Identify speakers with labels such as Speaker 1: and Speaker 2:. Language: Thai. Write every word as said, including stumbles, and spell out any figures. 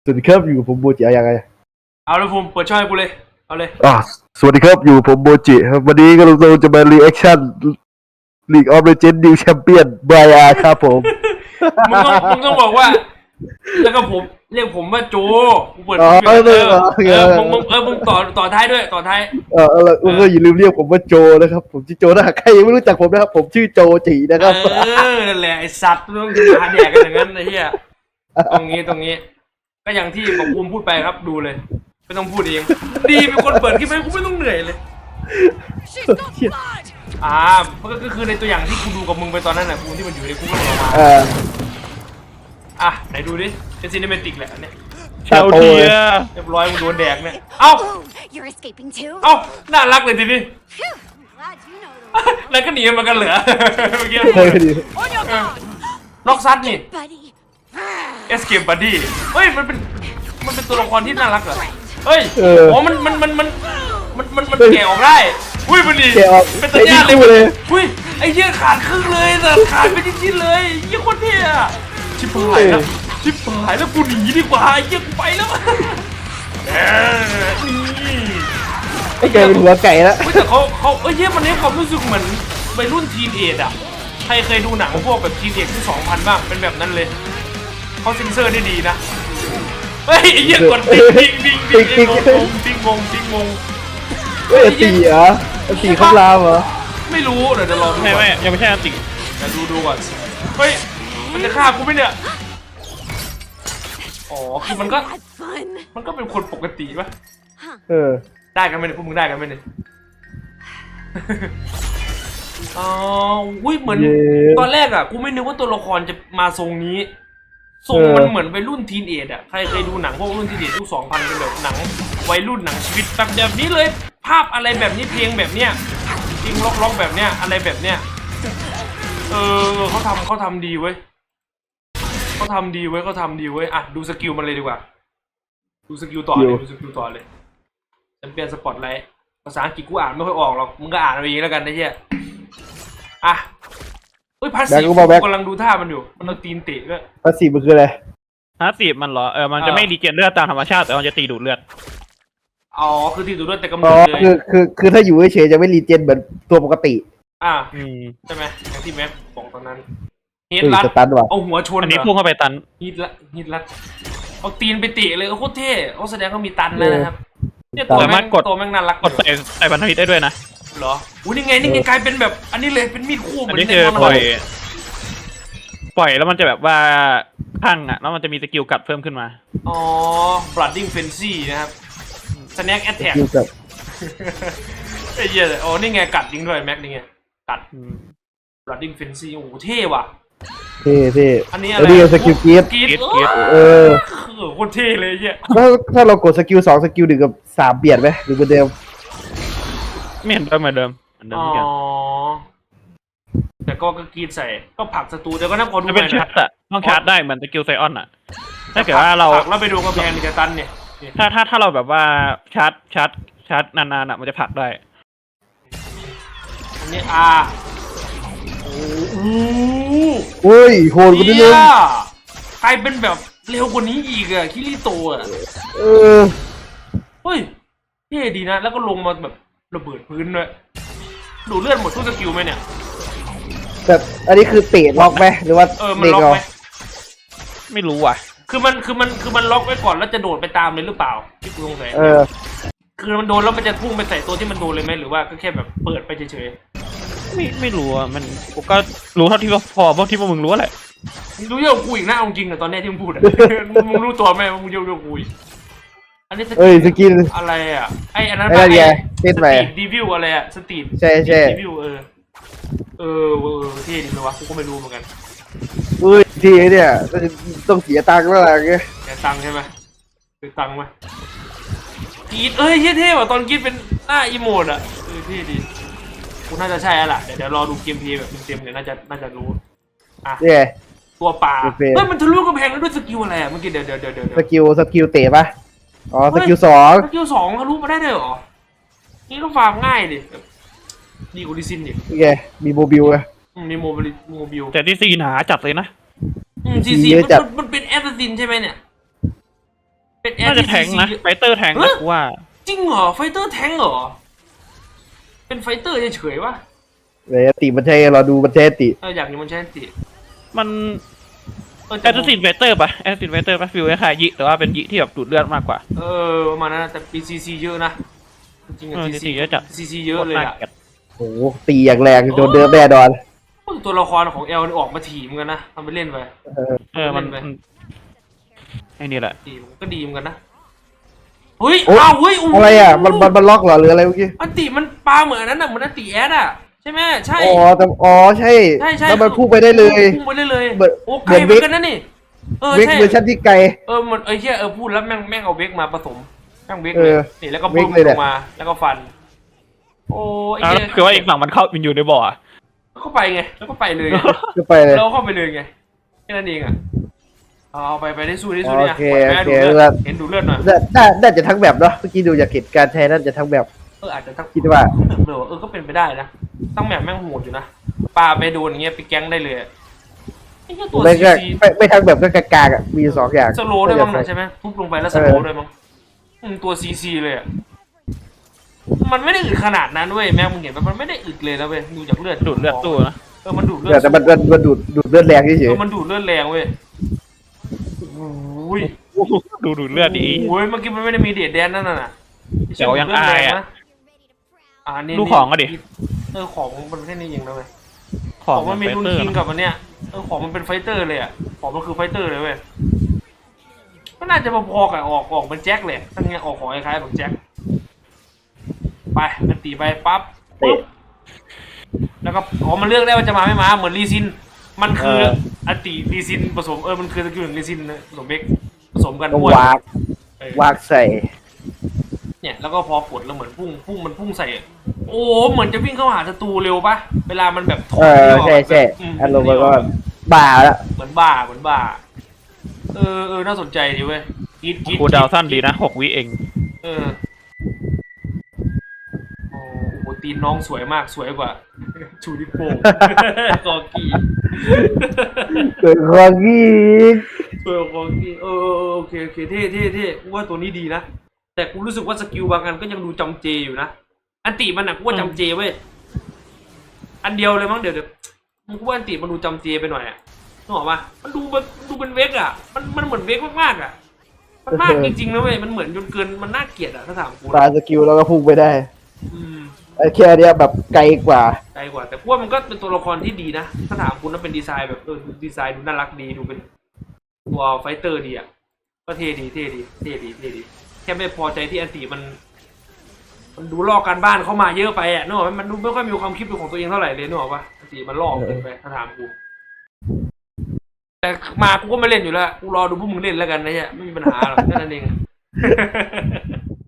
Speaker 1: สวัสดีครับอยู่กับผมโบจิอะไรยังไง
Speaker 2: เอาเลยผมเปิดช่องให้กูเลยเอาเลย
Speaker 1: อ่าสวัสดีครับอยู่ผมโบจิครับวันนี้ก็เราจะมารีแอคชั่น League of Legends New Champion บายาครับผม
Speaker 2: มึงต้องมึงต้องบอกว่า แล้วก็ผมเรียกผมว่าโจกูเปิด
Speaker 1: อ๋อ
Speaker 2: เออ
Speaker 1: เอ
Speaker 2: เอ
Speaker 1: อ
Speaker 2: อ
Speaker 1: โอเค
Speaker 2: เออมึงมึงเออมึงต่อต่อท้ายด้วยต่อท้าย
Speaker 1: เออเออเอออย่าลืมเรียกผมว่าโจนะครับผมชื่อโจนะใครยังไม่รู้จักผมนะครับผมชื่อโจจินะค
Speaker 2: เอ
Speaker 1: รับ
Speaker 2: อนั่นแหละไอสัตว์ต้องมาแดกกันอย่างนั้นไอ้เหี้ยตรงนี้ตรงนี้ ก็อย่างที่ผมภูมิพูดไปครับดูเลยไม่ต้องพูดเองดีเป็นคนเปิดคลิปให้กูไม่ต้องเหนื่อยเลย อ่าก็คือในตัวอย่างที่กูดูกับมึงไปตอนนั้นน่ะกูที่มันอยู่ในกูก็ออกมา
Speaker 1: เออ
Speaker 2: อ่ะไหนดูดิเป็นซีนิเมติกแหละอันเนี้ย
Speaker 1: เชาเทีย
Speaker 2: เรียบร้อยมึงโดนแดกเนี่ยเอ้า
Speaker 3: You're escaping too?
Speaker 2: เอ้าน่ารักเลยทีนี้
Speaker 3: Phew, glad you know the
Speaker 2: แล้วก็หนีมันกันเหลือเมื่อกี้
Speaker 1: เฮ้ยดี
Speaker 3: On your guard,
Speaker 2: ล็อกซัดนี่
Speaker 3: buddy.
Speaker 2: Escape Buddy เฮ้ยมันเป็นมันเป็นตัวละครที่น่ารักเหรอเฮ้ย
Speaker 1: เออ
Speaker 2: โอ้มันมันมันมันมันมันมันแกะออกได้อุ้ยมันดี
Speaker 1: แกะออก
Speaker 2: เป็นตัญญาเลย
Speaker 1: ไอ้นี่คู่เลย
Speaker 2: อุ้ยไอ้เหี้ยขาดครึ่งเลยแต่ขาดไปชิ้นๆเลยเหี้ยโคตรเท่อะชิบหายแล้วชิบหายแล้วกูหนีดีกว่าไอ้เหี้ยกูไปแล้วเออนี่
Speaker 1: ไอ้แกเป็นหัวไก่แล้ว
Speaker 2: เฮ้ยแต่เขาเขาเอ้ยเหี้ยมันให้ความรู้สึกเหมือนวัยรุ่นทีนเอจอะใครเคยดูหนังพวกแบบทีนเอจที่สองพันบ้างเป็นแบบนั้นเลยเขาเซ็นเซอร์ได้ดีนะเฮ้ยไอ้เหี้ยกดติ๊งติ๊งติ๊งติ๊งติ๊งงงติ๊งงงติ๊งงง
Speaker 1: เฮ้ยตีเหรอตีข้ามรามเหรอ
Speaker 2: ไม่รู้เดี๋ยวจะลองดู
Speaker 4: ไม่
Speaker 2: ก่อน
Speaker 4: ไม่ยังไม่ใช่อันติ
Speaker 2: เดี๋ยวดูดูก่อนเฮ้ยมันจะฆ่ากูไหมเนี่ยอ๋อคือมันก็
Speaker 3: Had fun.
Speaker 2: มันก็เป็นคนปกติปะ
Speaker 1: เออ
Speaker 2: ได้กันไหมเนี่ยพวกมึงได้กันไหมเนี่ยอ๋ออุ้ยเหมือน
Speaker 1: เย้
Speaker 2: ตอนแรกอ่ะกูไม่นึกว่าตัวละครจะมาทรงนี้ทรง
Speaker 1: เออ
Speaker 2: มันเหมือนวัยรุ่นทีนเอจอ่ะใครเคยดูหนังพวกรุ่นทีนเอจยุคสองพันเป็นแบบหนังวัยรุ่นหนังชีวิตแบบแบบนี้เลย ภาพอะไรแบบนี้เพลงแบบเนี้ยเพลงล็อกๆแบบเนี้ยอะไรแบบเนี้ยเออเขาทำเขาทำดีเว้ยเขาทำดีเว้ยเขาทำดีเว้ยอ่ะดูสกิลมันเลยดีกว่า ดูสกิลต่อเลยดูสกิลต่อเลยแชมเปี้ยนสปอตไลท์ภาษาอังกฤษกูอ่านไม่ค่อยออกหรอกมึงก็อ่านเอาเองแล้วกันนะเฮียอ่ะเฮ้ยพาสซีฟกูกำลังดูท่ามันอยู่มันเอาตีนเตะก็
Speaker 1: ภาษีมันคืออะไร
Speaker 4: ฮาร์ดสีมันเหรอเออมันจะไม่ดีเจนเลือดตามธรรมชาติแต่มันจะตีดูดเลือด
Speaker 2: อ๋อคือตีตัวด้วยแต่กำ
Speaker 1: อ๋
Speaker 2: เนิ
Speaker 1: อ
Speaker 2: ดเลย
Speaker 1: คือคือคือถ้าอยู่เฉยๆจะไม่รีเจนเหมือนตัวปกติ
Speaker 2: อ่ะ
Speaker 4: อืม
Speaker 2: ใช่ไหมอย่างที่แม็กบอกตอนนั้นฮิต
Speaker 1: เฮ้ย
Speaker 2: ลัด
Speaker 1: สตันว่ะ
Speaker 2: เอาหัวชน
Speaker 4: อันนี้
Speaker 2: เหร
Speaker 4: พุ่งเข้าไปตัน
Speaker 2: ฮิตลัดฮิตลัดเอาตีนไปเตะเลยโคตรเท่เขาแสดงเขามีตันแล้วนะครับเนี่ยตัวแม่งตัวแม่งน่ารัก
Speaker 4: กดใส่ใส่พันธมิตรได้ด้วยนะ
Speaker 2: เหรออุ้ยนี่ไงนี่ไงกลายเป็นแบบ อันนี้เลยเป็นมีดคู่เหมื
Speaker 4: อั
Speaker 2: อน น
Speaker 4: นี้
Speaker 2: ใน
Speaker 4: คือ
Speaker 2: มอน
Speaker 4: ปล่อย ปล่อยแล้วมันจะแบบว่าพังอ่ะแล้วมันจะมีสกิลกัดเพิ่มขึ้นมา
Speaker 2: อ๋อ blooding frenzy นะครับ snack attack
Speaker 1: อยู่กับ
Speaker 2: ไอ้เหี้ยอ๋อนี่ไงกัดจริงด้วยแม็กนี่ไงกัด
Speaker 4: อืม
Speaker 2: blooding frenzy โอ้โหเท่ว่ะ
Speaker 1: เท่เท่
Speaker 2: อันนี้อะ
Speaker 1: แล้ว
Speaker 2: ไร
Speaker 1: นี่ก็สกิลกรีด
Speaker 2: กรีด
Speaker 4: กรี๊ด
Speaker 2: เอก
Speaker 4: รี๊ด
Speaker 1: เออ
Speaker 2: อโคตรเท่เลยไอ้เหี้ย
Speaker 1: ถ้าถ้าเรากดสกิลสองสกิลหนึ่งกับสามเปลี่ยนไหมหรือเหมือนเดิม
Speaker 4: ไม่เห็นเดิมเหมือนเดิมเหมือนเดิม
Speaker 2: อ๋อ
Speaker 4: ทุกอย่าง
Speaker 2: แต่ก็ก็กรีดใส่ก็ผลักศัตรูเดี๋ยวก็นั่งขอดู
Speaker 4: จะ
Speaker 2: ห
Speaker 4: เป็น
Speaker 2: น่อย
Speaker 4: ชา
Speaker 2: นะ
Speaker 4: ร์จอะต้องชาร์จได้เหมือนสกิลไซออนอะถ้าเกิดว่าเรา
Speaker 2: ผลักแล้วไปดูกำแพงนิจตันเนี่ยนี่
Speaker 4: ถ้าถ้าถ้าเราแบบว่าชาร์จชาร์จชาร์จนานๆอะมันจะผลักได้
Speaker 2: อันนี้อ่าโอ้โห
Speaker 1: เฮ้ยโหดกว่านี้
Speaker 2: เหี้
Speaker 1: เลย ย
Speaker 2: กลายเป็นแบบเร็วกว่านี้อีกอะคิริโตะอะ
Speaker 1: เออ
Speaker 2: เฮ้ยเท่ดีนะ แล้วก็ลงมาแบบระเบิดพื้นด้วยดูเลือดหมดทุกสกิลไหมเนี่ย
Speaker 1: แต่อันนี้คือเตะล็อกไหมหรือว่า
Speaker 2: เออมัน
Speaker 1: เด็ก
Speaker 2: ล็อก
Speaker 1: เอา
Speaker 2: ไหม
Speaker 4: ไม่รู้อ่ะ
Speaker 2: คือมันคือมันคือมันล็อกไว้ก่อนแล้วจะโดดไปตามเลยหรือเปล่าที่กูสงสัย
Speaker 1: เออ
Speaker 2: คือมันโดนแล้วมันจะพุ่งไปใส่ตัวที่มันโดนเลยไหมหรือว่าก็แค่แบบเปิดไปเฉย
Speaker 4: ไม่ไม่รู้อ่ะมันกูก็รู้เท่าที่ว่าพอพวกที่พวกมึงรู้แหละ
Speaker 2: ๆมึงรู้เยอะกว่ากูอีกนะเอาจริงอะตอนเนี้ยที่มึงพูดอะ มึงรู้ตัวไหมว่ามึงเยอะกว่ากูอีกอันนี้ส
Speaker 1: เอ้ยสกิล
Speaker 2: อะไรอะไออันนั้น
Speaker 1: ไอ้นั่นไงเต้น
Speaker 2: ส
Speaker 1: ไป
Speaker 2: ตรีทดีวิวอะไรอะสตรีท
Speaker 1: ใช่ใช่
Speaker 2: ดีวิวเออเออเออเท่ดีเลยวะกูก็ไม่รู้เหมือนกัน
Speaker 1: เฮ้ยทีเนี่ยต้องเสียตังค์แล้วอะไรเงี้ย
Speaker 2: แกตังค์ใช่ไหมคือตังค์ไหมกรีดเอ้ยเท่เท่ว่ะตอนกรีดเป็นหน้าอีโมดอะเออเท่ดีกูน่าจะใช่แล้วล่ะเดี๋ยวเดี๋ยวรอดูเกมเพลย์แบบเต็มๆเดี๋ยวน่าจะน่าจะรู้อ่ะ
Speaker 1: เนี่ย
Speaker 2: ตัวป่า
Speaker 1: โอเค
Speaker 2: เฮ้ยมันทะลุกำแพงแล้วด้วยสกิลอะไรอะเมื่อกี้เดี๋ยวเดี๋ยวเดี๋ยวเดี๋ยว
Speaker 1: สกิลสกิลเตะปะอ๋อสกิลสอง
Speaker 2: สกิลสองทะลุมาได้เลยเหรอนี่ก็ฟาร์มง่ายดิดีกว่าดิซินดิ
Speaker 1: นี่ไงมีโมบิลไง
Speaker 2: อืมมีโมบิลโมบิล
Speaker 4: แต่ที่ซีหนาจัดเลยนะ
Speaker 2: อืมซีซี
Speaker 1: เยอะจัด
Speaker 2: มันมันเป็นแอสซัสซินใช่ไหมเนี่ยเป็นแอ
Speaker 4: น่า
Speaker 2: ร์
Speaker 4: จะ
Speaker 2: ที่
Speaker 4: แท
Speaker 2: ซี
Speaker 4: งค์
Speaker 2: ซี
Speaker 4: นะไฟเตอร์แทงค์นะกูว่า
Speaker 2: จริงเหรอไฟเตอร์แทงเหรอเป็นไฟเตอร์เฉยๆวะ
Speaker 1: เลยติมันใช่เราดูมันใช่ติ
Speaker 2: เอออยากเห็นมันใช้ติ
Speaker 4: มัน
Speaker 2: เออ
Speaker 4: แอสซินไฟเตอร์ปะแอสซินไฟเตอร์ปะฟิลคล้ายๆยิแต่ว่าเป็นยิที่แบบดูดเลือดมากกว่า
Speaker 2: เออประมาณนั้นนะแต่ปีซีซีเยอะนะจริงๆ
Speaker 4: เออ
Speaker 2: ซี
Speaker 4: ซีซีเยอะจัด
Speaker 2: ซีซีเยอะเลยอะ
Speaker 1: โอ้โหตีอย่างแรงโดนเดิมแน่นอน
Speaker 2: ตัวละครของเอลนี่ออกมาถีบเหมือนกันนะทำไปเล่นไป
Speaker 4: เออมัน
Speaker 2: เล่นไป
Speaker 4: มันไอ้นี่แหละ
Speaker 2: ถีบมันก็ดีเหมือนกันนะเฮ้ย
Speaker 1: โอ๊ย
Speaker 2: อ้าวเฮ้ยโโห
Speaker 1: อะไรอ่ะมันมันมันล็อกเหรอหรืออะไรเมื่อกี้
Speaker 2: อันติมันปลาเหมือนอันนั้นน่ะเหมือนอันติแอดอ่ะใช่ไหมใช่
Speaker 1: อ๋อแต่อ๋อใช่
Speaker 2: ใช่ใช่
Speaker 1: แล้วมันพุ่งไปได้เลย
Speaker 2: พุ่งไปได้เลย
Speaker 1: เหมือน
Speaker 2: โอ้ไกล
Speaker 1: เหมือน
Speaker 2: เหมือนกันนะนี่เออ
Speaker 1: เวก
Speaker 2: ใช่
Speaker 1: เวอร์ชันที่ไกล
Speaker 2: เออมันเอ้ยเชี่ยเออพูดแล้วแม่งแม่งเอาเวกมาผสมแม่งเวก
Speaker 1: เอ
Speaker 2: เลย
Speaker 1: อ
Speaker 2: นี่แล้วก็
Speaker 1: เว
Speaker 2: บึ้
Speaker 1: ก
Speaker 2: ม
Speaker 1: เลยแห
Speaker 2: ล
Speaker 1: ละ
Speaker 2: งมาแล้วก็ฟัน โอ้ไอ้
Speaker 4: อ่า
Speaker 2: เหี้ย
Speaker 4: คือว่าอีกฝั่งมันเข้ามันอยู่ในบ่ออะ
Speaker 2: เข้าไปไงแล้วก็ไปเลยไง
Speaker 1: ก็ไปเลย
Speaker 2: เราเข้าไปเลยไงแค่นั้นเองอ่ะเอาไปไปได้สู้ได้สู้เนี่ย
Speaker 1: โอเค
Speaker 2: แม่
Speaker 1: โอเค
Speaker 2: ดูเลือ
Speaker 1: แล้
Speaker 2: ด
Speaker 1: ว
Speaker 2: เห็นดูเลือดหน่อย
Speaker 1: น่าน่าน่าจะทั้งแบบเนาะเมื่อกี้ดูจากเหตุการณ์ใช้น่าจะทั้งแบบ
Speaker 2: เอออาจจะทั้ง
Speaker 1: คิดว่า
Speaker 2: เออเออก็เป็นไปได้นะตั้งแบบแม่งโหดอยู่นะปลาไปโดนอย่างเงี้ยไปแก๊งได้เลยอะไอ้เหี้ยตัว
Speaker 1: ไม่
Speaker 2: ซี
Speaker 1: ก็
Speaker 2: ซี
Speaker 1: ไม่ไม่ทั้งแบบก็กากๆอ่ะมีสองอย่าง
Speaker 2: สโลว์ด้วยมั้งนะใช่ไหมทุบลงไปแล้วสโลว์ด้วยมั้งอืมตัวซีซีเลยอะมันไม่ได้อึดขนาดนั้นเว้ยแม่งมึงเห็นปะมันไม่ได้อึดเลยนะเว้ยดูจากเลือด
Speaker 4: ดูดเลือดตู้นะ
Speaker 2: เออมันดูดเลือ
Speaker 1: เดี๋ย
Speaker 2: ด
Speaker 1: วแต่มันมันมันดูดดูดเลือดแรงเฉ
Speaker 2: เอย อมันดูดเลือดแรงเว้ยโอ้ย
Speaker 4: ดูดูดเลือดดี
Speaker 2: โอ้ยเมื่อกี้มันไม่ได้มีเดดแดนนั่นน่ะ
Speaker 4: เดี๋ยวยังอายอะ
Speaker 2: อ่านี่
Speaker 4: ดูของก็ดิ
Speaker 2: เออของมันแค่นี้เองนะเว้ย
Speaker 4: ๆข
Speaker 2: ข
Speaker 4: อ
Speaker 2: อง งมันมี
Speaker 4: ไฟ
Speaker 2: รุน
Speaker 4: เตอร์
Speaker 2: คิง
Speaker 4: นะ
Speaker 2: กับมันเนี้ยเออของมันเป็นไฟเตอร์เลยอ่ะของมันคือไฟเตอร์เลยเว้ยก็น่าจะพอๆกับออกออกเป็นแจ็คเลยทั้งเนี้ยออกของคล้ายๆแบบแจ็คไปมันตีไปปั๊บปุ๊บแล้วก็อ๋อมันเลือกได้ว่าจะมาไม่มาเหมือนรีซิน มันคืออันติรีซินผสมเออมันคือสกิลหนึ่งรีซินผสมเบกผสมกัน
Speaker 1: ก็
Speaker 2: อ้วน
Speaker 1: วาก
Speaker 2: เออ
Speaker 1: วากใส่
Speaker 2: เนี่ยแล้วก็พอกดแล้วเหมือนพุ่งพุ่งมันพุ่งใส่ โอ้เหมือนจะวิ่งเข้าหาศัตรูเร็วปะเวลามันแบบถ
Speaker 1: เออ
Speaker 2: ที่ก
Speaker 1: ใช่ใช่
Speaker 2: อืม
Speaker 1: อารมณ์มันก็บ้าแล้ว
Speaker 2: เหมือนบ้าเหมือนบ้า เออเออน่าสนใจดีเว้ยกรีดกรีด
Speaker 4: คูลดาวน์สั้นดีนะหกวิเอง
Speaker 2: เออโอ้โหตีนน้องสวยมากสวยกว่า ชูดิโป้ กอกี
Speaker 1: เกิดความกี้
Speaker 2: สวยกว่ากอกีเออเออเออโอเคโอเคเท่เท่เท่กูว่าตัวนี้ดีนะแต่กูรู้สึกว่าสกิลบางอันก็ยังดูจำเจอยู่นะอันติมันอ่ะกูว่าจำเจเว้ยอันเดียวเลยมั้งเดี๋ยวเดี๋ยวมึงกูว่าอันติมันดูจำเจไปหน่อยอ่ะนึกออกปะมันดูมันดูเป็นเวกอ่ะมันมันเหมือนเวกมากๆอ่ะมันมากจริงๆนะเว้ยมันเหมือนจนเกินมันน่าเกลียดอ่ะถ้าถามกู
Speaker 1: ปาสกิลแล้วก็พุ่งไปได้
Speaker 2: อืม
Speaker 1: ไอ้แค่เนี้ยแบบไกลกว่า
Speaker 2: ไกลกว่าแต่กูว่ามันก็เป็นตัวละครที่ดีนะถ้าถามคุณว่าเป็นดีไซน์แบบเออดีไซน์ดูน่ารักดีดูเป็นตัวไฟเตอร์ดีอ่ะก็เท่ดีเท่ดีเท่ดีเท่ดีแค่ไม่พอใจที่อันติมัน มันดูลอกการบ้านเข้ามาเยอะไปอ่ะนึกออกไหมมันดูไม่ค่อยมีความคิดเป็นของตัวเองเท่าไหร่เลยนึกออกปะอันติมันลอกเกินไปถ้าถามกูแต่มากูก็ไม่เล่นอยู่แล้วกูรอดูพวกมึงเล่นแล้วกันนะเนี่ยไม่มีปัญหาหรอกแค่นั้นเอง